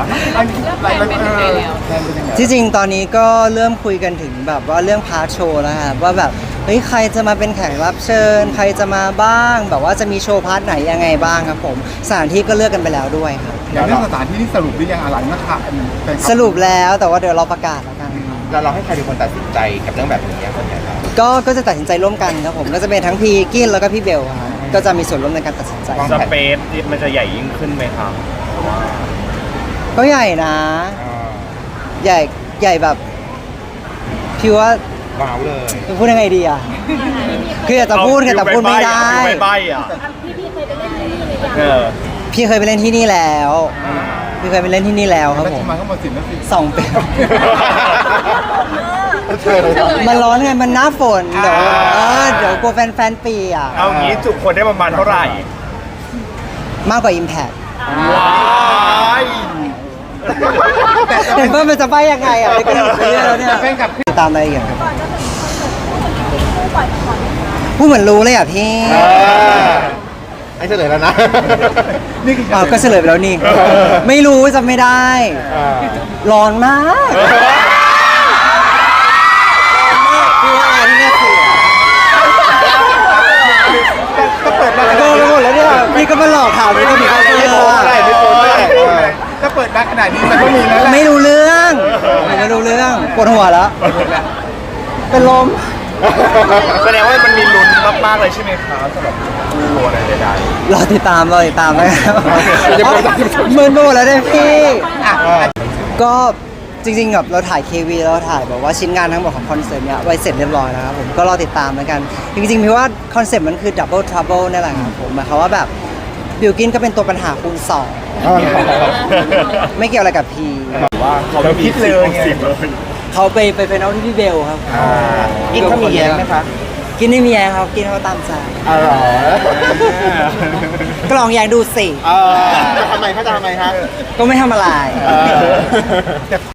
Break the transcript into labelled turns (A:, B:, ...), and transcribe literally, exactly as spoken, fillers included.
A: อะไรเป็นยังไงแล้วแทนเป็นยังไง
B: ที่จริงตอนนี้ก็เริ่มคุยกันถึงแบบว่าเรื่องพาร์ทโชว์แล้วครับว่าแบบเฮ้ยใครจะมาเป็นแขกรับเชิญใครจะมาบ้างแบบว่าจะมีโชว์พาร์ทไหนยังไงบ้างครับผมสถานที่ก็เลือกกันไปแล้วด้วยครับ
A: อย่างเรื่องสถานที่ที่สรุปหรือยังอะไรนะคะแฟนคบ
B: สรุปแล้วแต่ว่าเดี๋ยวเราประกาศแล้วกัน
C: แล้วเราให้ใครเป็นคนตัดสินใจกับเรื่องแบบนี้คนไหนครับ
B: ก็ก็จะตัดสินใจร่วมกันครับผมก็จะเป็นทั้งพี่กินแล้วก็พี่เบลครับก็จะมีส่วนร่วมในการตัดสินใจ
C: วาง
D: ส
C: แผน
D: เปซมันจะใหญ่ยิ่งขึ้นไหมครับ
B: ก็ใหญ่นะ ใหญ่ใหญ่แบบพี่ว่า
C: ว้าวเลย
B: จะพูดยังไงดีอ่ะคืออยากจะพูดไงแต่พูดไม่ได้
D: ไม่ใบอ่ะเออ
B: พี่เคยไปเล่นที่นี่แล้ว พี่เคยไปเล่นที่นี่แล้วครับ
A: แล้ว
B: ผ
A: จะ
B: ม
A: มาก็มาสินแล้วสิ
B: สองปี
C: เชิญเลยครับ
B: มันร้อนไงมันหน้าฝนเดี๋ยวเออเดี๋ยวกลัวแฟนแฟนๆปีอ่ะ
D: เอางี้จุคนได้ประมาณเท่าไหร่
B: มากกว่า Impact
D: ว้าย
B: เห็นว่ามันจะไปยังไงอ่ะไม่ก็หลุดไปเรื่อยแล้วเนี่ย
A: แฟนกับ
B: ตามรายละเอียดครับพูดเหมือนรู้เลยอ่ะพี่
C: เออให้เฉลยแล้วนะ
A: นี่คือ
B: อ้าวก็เฉลยไปแล้วนี่ ไม่รู้จำไม่ได้
C: อ่า
B: ร้อนมากพี่ว่าที่นี่คือ
A: ก็เปิดมา
B: โดนไปหมดแล้วเนี่ยพี่ก็มาหลอกถามพี่ก็ผิดเขา
C: ไม่โป๊ะได้ไม่โป๊ะได้
A: ถ้าเปิดมาขนาดนี้มันก็มีแล้วแหละ
B: ไม่รู้เรื่องไม่รู้เรื่องปวดหัวแล้ว เป็นลม
D: แสดงว่ามันมีลุ้นมากๆเลยใช่ไหมครับสำหรับโชว์อะไรใด
B: รอติดตามรอติดตามนะครับเมินไปหมดแล้วเนี่ยพี่
A: อ่ะ
B: ก็จริงๆแบบเราถ่าย เค วี เราถ่ายแบบว่าชิ้นงานทั้งหมดของคอนเสิร์ตเนี้ยไว้เสร็จเรียบร้อยแล้วครับผมก็รอติดตามแล้วกัน จริงๆพี่ว่าคอนเซ็ปต์มันคือ Double Trouble นั่นแหละครับผมหมายความว่าแบบบิวกินก็เป็นตัวปัญหาคูณสองไม่เกี่ยวอะไรกับพี
D: ๆว่าเขาคิดเลยไง
B: เขาไปไปเป็นเอาที่พี่เบลครับ
C: อ่าอินเขามีแย้งไหมคะ
B: กินไม่มีแยงครับกินเขาตามใจ
C: อ๋อเหรอ
B: ก็ลองแยงดูสิ
C: เออจะทำไมเขาจะทำไมฮะ
B: ก็ไม่ทำอะไร
C: เออ